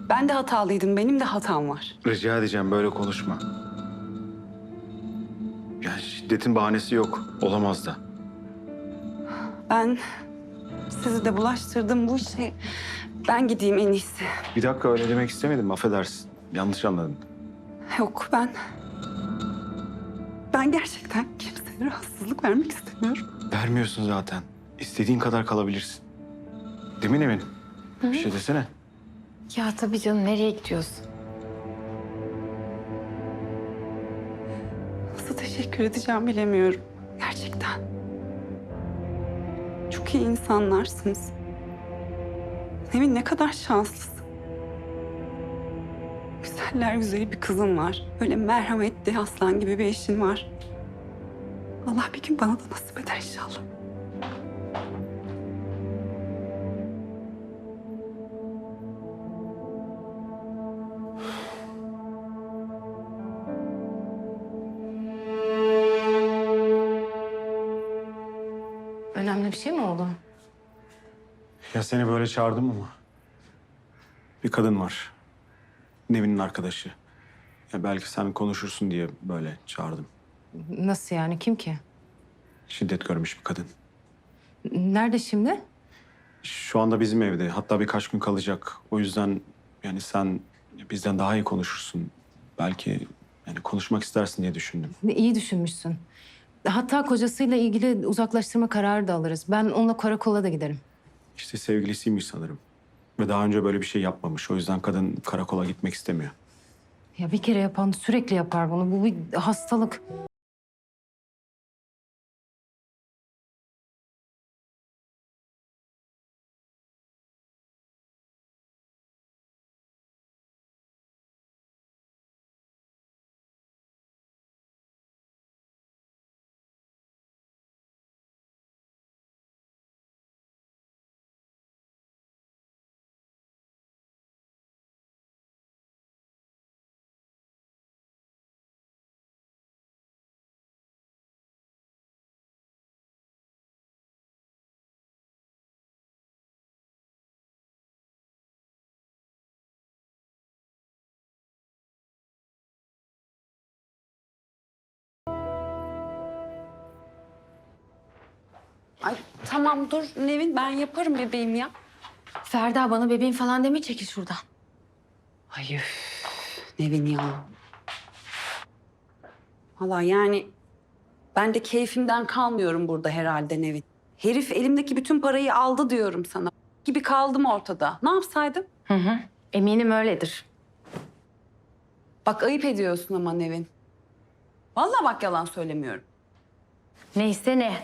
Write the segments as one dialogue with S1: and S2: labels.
S1: Ben de hatalıydım. Benim de hatam var.
S2: Rica edeceğim böyle konuşma. Yani şiddetin bahanesi yok. Olamaz da.
S1: Ben sizi de bulaştırdım bu işe. Ben gideyim en iyisi.
S2: Bir dakika öyle demek istemedim. Affedersin. Yanlış anladın.
S1: Yok ben... Ben gerçekten kimseye rahatsızlık vermek istemiyorum.
S2: Vermiyorsun zaten. İstediğin kadar kalabilirsin. Değil mi Nevin? Bir şey desene.
S3: Ya tabii canım, nereye gidiyorsun?
S1: Nasıl teşekkür edeceğim bilemiyorum. Gerçekten. Çok iyi insanlarsınız. Nevin ne kadar şanslısın. Güzeller güzeli bir kızın var. Öyle merhametli aslan gibi bir eşin var. Allah bir gün bana da nasip eder inşallah.
S3: Önemli bir şey mi oldu?
S2: Ya seni böyle çağırdım ama. Bir kadın var. Nevin'in arkadaşı. Ya belki sen konuşursun diye böyle çağırdım.
S3: Nasıl yani? Kim ki?
S2: Şiddet görmüş bir kadın.
S3: Nerede şimdi?
S2: Şu anda bizim evde. Hatta birkaç gün kalacak. O yüzden yani sen bizden daha iyi konuşursun. Belki yani konuşmak istersin diye düşündüm.
S3: İyi düşünmüşsün. Hatta kocasıyla ilgili uzaklaştırma kararı da alırız. Ben onunla karakola da giderim.
S2: İşte sevgilisiymiş sanırım. Ve daha önce böyle bir şey yapmamış. O yüzden kadın karakola gitmek istemiyor.
S3: Ya bir kere yapan sürekli yapar bunu. Bu bir hastalık.
S1: Ay tamam dur Nevin ben yaparım bebeğim ya.
S3: Ferda, bana bebeğim falan deme, çekil şuradan.
S1: Ay üf, Nevin ya. Valla yani ben de keyfimden kalmıyorum burada herhalde Nevin. Herif elimdeki bütün parayı aldı diyorum sana. Gibi kaldım ortada. Ne yapsaydım?
S3: Hı hı. Eminim öyledir.
S1: Bak ayıp ediyorsun ama Nevin. Vallahi bak yalan söylemiyorum.
S3: Neyse ne.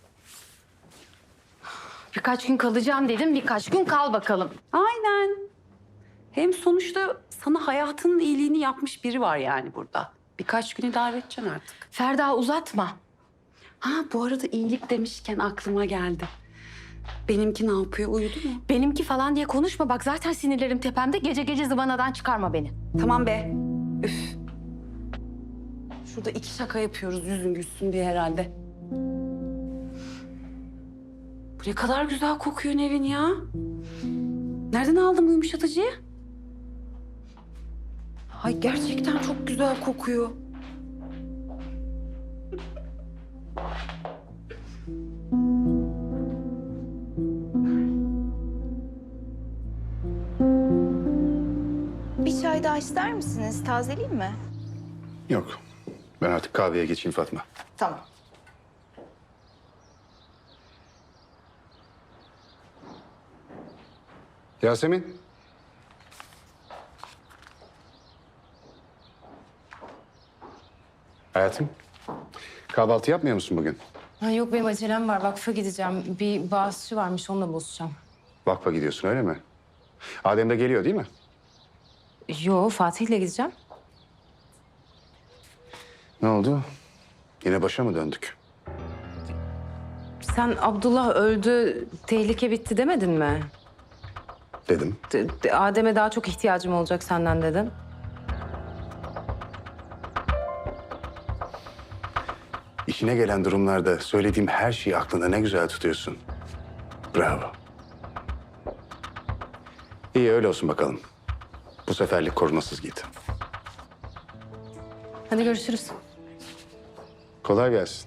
S3: Birkaç gün kalacağım dedim, birkaç gün kal bakalım.
S1: Aynen. Hem sonuçta sana hayatının iyiliğini yapmış biri var yani burada. Birkaç gün idare edeceksin artık.
S3: Ferda, uzatma.
S1: Ha bu arada iyilik demişken aklıma geldi. Benimki ne yapıyor? Uyudu mu?
S3: Benimki falan diye konuşma. Bak zaten sinirlerim tepemde. Gece gece zıvanadan çıkarma beni.
S1: Tamam be. Üf. Şurada iki şaka yapıyoruz yüzün gülsün diye herhalde. Bu ne kadar güzel kokuyor Nevin ya. Nereden aldın bu yumuşatıcıyı? Ay gerçekten çok güzel kokuyor.
S4: Bir çay daha ister misiniz? Tazeleyeyim mi?
S5: Yok. Ben artık kahveye geçeyim Fatma.
S4: Tamam.
S5: Yasemin. Hayatım. Kahvaltı yapmıyor musun bugün?
S3: Ha, yok, benim acelem var. Vakfa gideceğim. Bir bağışçı varmış, onunla buluşacağım.
S5: Vakfa gidiyorsun öyle mi? Adem de geliyor değil mi?
S3: Yo, Fatih'le gideceğim.
S5: Ne oldu? Yine başa mı döndük?
S3: Sen Abdullah öldü, tehlike bitti demedin mi?
S5: Dedim.
S3: Adem'e daha çok ihtiyacım olacak senden dedin.
S5: İşine gelen durumlarda söylediğim her şeyi aklında ne güzel tutuyorsun. Bravo. İyi öyle olsun bakalım. Bu seferlik korumasız git.
S3: Hadi görüşürüz.
S5: Kolay gelsin.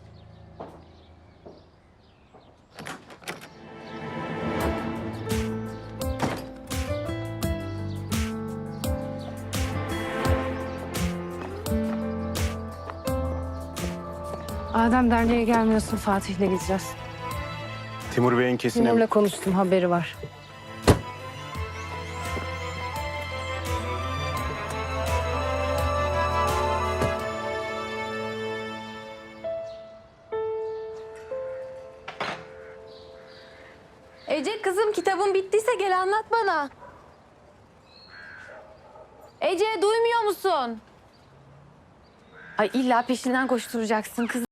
S3: Adem derneğe gelmiyorsun, Fatih'le gideceğiz.
S2: Timur Bey'in kesin
S3: Timur'la konuştum, haberi var.
S6: Ece kızım kitabın bittiyse gel anlat bana. Ece duymuyor musun? Ay illa peşinden koşturacaksın kız.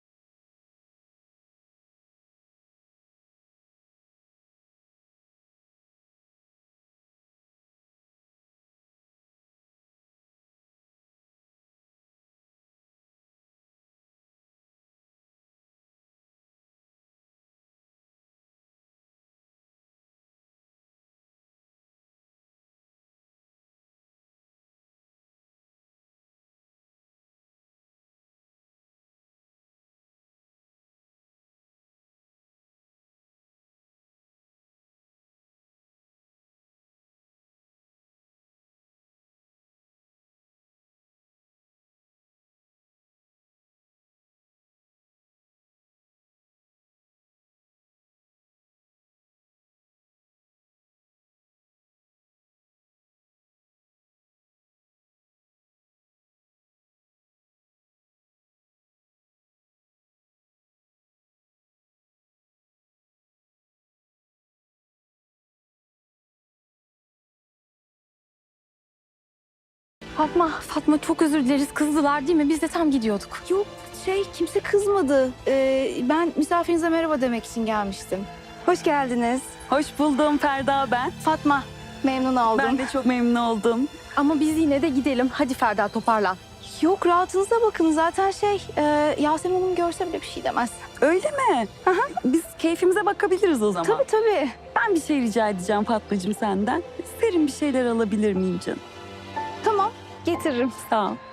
S6: Fatma çok özür dileriz. Kızdılar değil mi? Biz de tam gidiyorduk.
S4: Yok kimse kızmadı. Ben misafirinize merhaba demek için gelmiştim. Hoş geldiniz.
S1: Hoş buldum Ferda ben.
S4: Fatma, memnun oldum.
S1: Ben de çok memnun oldum.
S6: Ama biz yine de gidelim. Hadi Ferda toparlan.
S4: Yok rahatınıza bakın. Zaten Yasemin Hanım görse bile bir şey demez.
S1: Öyle mi? Biz keyfimize bakabiliriz o zaman.
S4: Tabii tabii.
S1: Ben bir şey rica edeceğim Fatmacığım senden. Serin bir şeyler alabilir miyim canım?
S4: Tamam, getiririm.
S1: Sağ ol.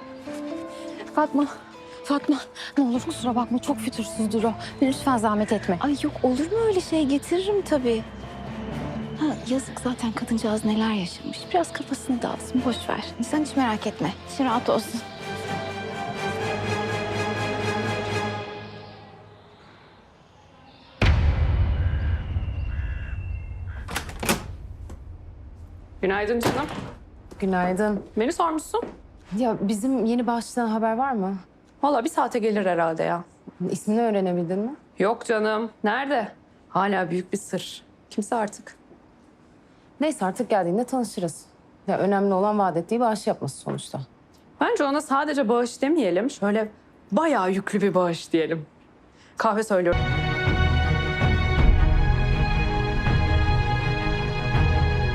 S6: Fatma ne olur kusura bakma çok fütursuzdur o. Lütfen zahmet etme.
S4: Ay yok olur mu öyle şey? Getiririm tabii. Yazık zaten kadıncağız neler yaşamış. Biraz kafasını dağıtsın, boş ver. Sen hiç merak etme. İçin rahat olsun.
S7: Günaydın canım.
S3: Günaydın.
S7: Beni sormuşsun.
S3: Ya bizim yeni bağışçıdan haber var mı?
S7: Valla bir saate gelir herhalde ya.
S3: İsmini öğrenebildin mi?
S7: Yok canım. Nerede? Hala büyük bir sır. Kimse artık.
S3: Neyse artık geldiğinde tanışırız. Ya önemli olan vaat ettiği bağış yapması sonuçta.
S7: Bence ona sadece bağış demeyelim. Şöyle bayağı yüklü bir bağış diyelim. Kahve söylüyorum.